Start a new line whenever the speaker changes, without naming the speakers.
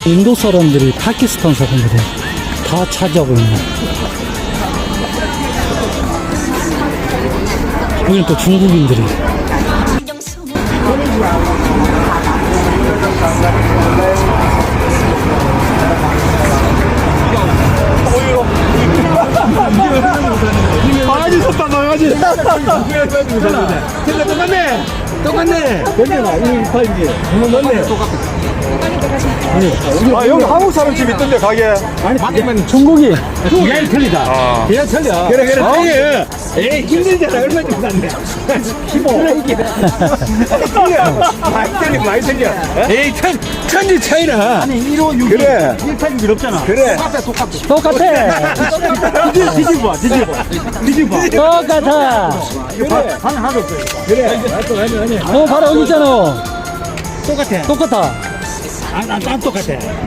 인도 사람들이 파키스탄 사람들이 다 차지하고 있네. 여기 또 중국인들이.
바가지 섰다 바가지. 똑같네. 똑같네. 괜찮아. 이 팔지. 맞네. 아 여기 한국 사람 집 있던데 가게.
아니, 중국이.
그냥 틀리다. 그냥 틀려. 그래 틀려. 에이 힘들잖아. 얼마 좀 샀네. 15. 많이 틀려. 에이 천지 차이나.
아니, 1호 6이.
그래.
186이 없잖아.
그래.
똑같아.
뒤집어.
똑같아.
그래. 하나도 없어요. 그래.
바로 여기 있잖아.
똑같아.
똑같아.
안 똑같아.